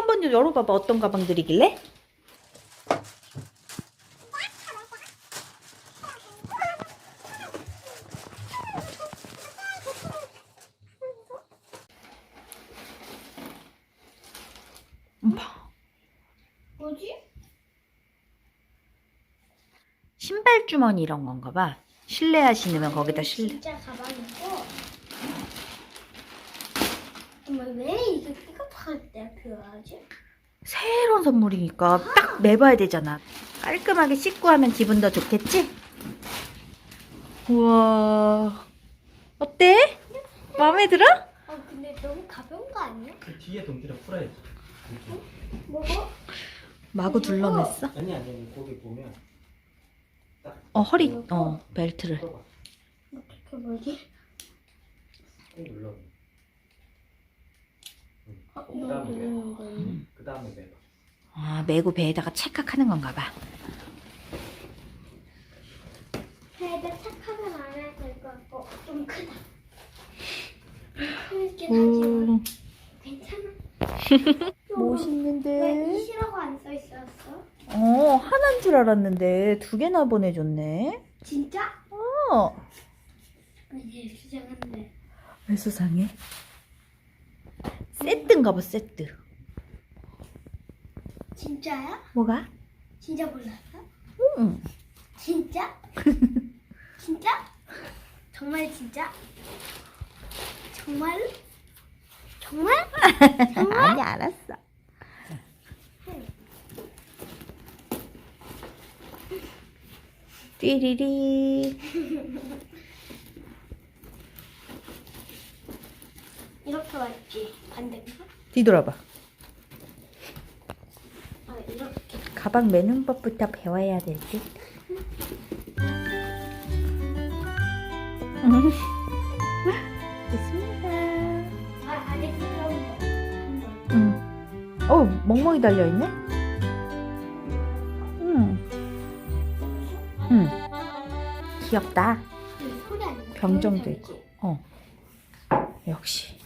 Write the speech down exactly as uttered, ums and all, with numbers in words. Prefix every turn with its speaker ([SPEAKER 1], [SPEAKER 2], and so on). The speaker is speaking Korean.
[SPEAKER 1] 한번 열어봐봐. 어떤 가방들이길래? 음, 봐.
[SPEAKER 2] 뭐지?
[SPEAKER 1] 신발 주머니 이런 건가 봐. 실내화 신으면 거기다 실내.
[SPEAKER 2] 진짜 가방이고. 정말 왜 이거 삐걱할 때 필요하지?
[SPEAKER 1] 새로운 선물이니까 딱 매봐야 되잖아. 깔끔하게 씻고 하면 기분 더 좋겠지? 우와. 어때? 마음에 들어?
[SPEAKER 2] 아 근데 너무 가벼운 거 아니야?
[SPEAKER 3] 그 뒤에 동기를 풀어야지.
[SPEAKER 2] 뭐고?
[SPEAKER 1] 마구 둘러맸어?
[SPEAKER 3] 아니 아니 거기 보면 딱
[SPEAKER 1] 어, 허리, 어, 벨트를.
[SPEAKER 3] 풀어봐.
[SPEAKER 2] 어떻게 뭐지?
[SPEAKER 3] 꾹 눌러. 응.
[SPEAKER 2] 어,
[SPEAKER 3] 그 다음에
[SPEAKER 2] 이거
[SPEAKER 3] 매봐.
[SPEAKER 2] 누르는 거예요?
[SPEAKER 3] 그 다음에 매봐.
[SPEAKER 1] 아, 메고 배에다가 찰칵하는 건가 봐.
[SPEAKER 2] 배에다 착하면 안 해야 될 것 같고 좀 크다. 크긴
[SPEAKER 1] 음,
[SPEAKER 2] 하지만 괜찮아. 왜
[SPEAKER 1] 멋있는데?
[SPEAKER 2] 이시라고 안 써 있었어?
[SPEAKER 1] 어, 하나인 줄 알았는데 두 개나 보내줬네.
[SPEAKER 2] 진짜?
[SPEAKER 1] 어,
[SPEAKER 2] 이제 수정한데.
[SPEAKER 1] 왜 수상해? 세트인가 봐, 세트.
[SPEAKER 2] 진짜야?
[SPEAKER 1] 뭐가?
[SPEAKER 2] 진짜 몰랐어?
[SPEAKER 1] 응.
[SPEAKER 2] 진짜? 진짜? 정말 진짜? 정말? 정말?
[SPEAKER 1] 아니, 알았어. 띠리리.
[SPEAKER 2] 이렇게 왔지? 반대인가?
[SPEAKER 1] 뒤돌아봐.
[SPEAKER 2] 아 이렇게.
[SPEAKER 1] 가방 매는 법부터 배워야 될 듯. 음. 됐습니다.
[SPEAKER 2] 아 아직 그런 거.
[SPEAKER 1] 응. 어, 멍멍이 달려있네? 응. 응. 귀엽다.
[SPEAKER 2] 그 소리 아니야?
[SPEAKER 1] 병정도
[SPEAKER 2] 소리
[SPEAKER 1] 있고. 어. 역시.